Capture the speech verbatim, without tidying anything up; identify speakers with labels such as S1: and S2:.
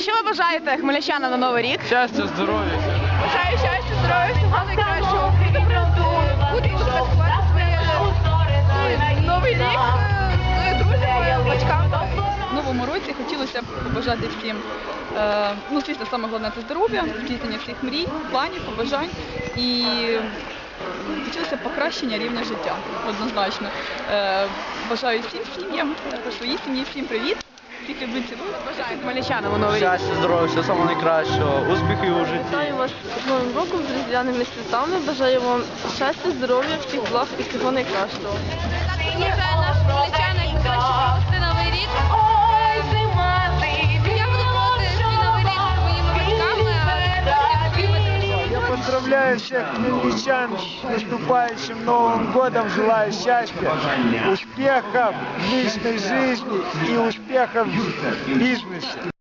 S1: Що ви бажаєте хмельничанам на Новий рік?
S2: Щастя, здоров'я.
S1: Бажаю щастя, здоров'я, всього найкращого. Бути святкувати своє Новий рік з друзями, батьками.
S3: В новому році хотілося б побажати всім, е, ну, звісно, саме головне це здоров'я, здійснення всіх мрій, планів, побажань і хотілося б покращення рівня життя, однозначно. Е, бажаю всім сім'ям, також своїй сім'ї, всім привіт, всіх люблю, цілую.
S1: Бажаю хмельничанам у Новий рік.
S2: Щастя, здоров'я, всього самого найкращого, успіхів у житті.
S4: Вітаю вас з Новим роком, з різдвяними святами. Бажаю вам щастя, здоров'я, всіх благ і всього найкращого.
S5: Бажаю нашим хмельничанам як краще провести Новий рік. Я буду проводити свій Новий рік зі своїми батьками, а зі своїми друзями.
S6: Я поздравляю всех хмельничан с наступающим Новым годом, желаю счастья, успехов в личной жизни и успехов в бизнесе.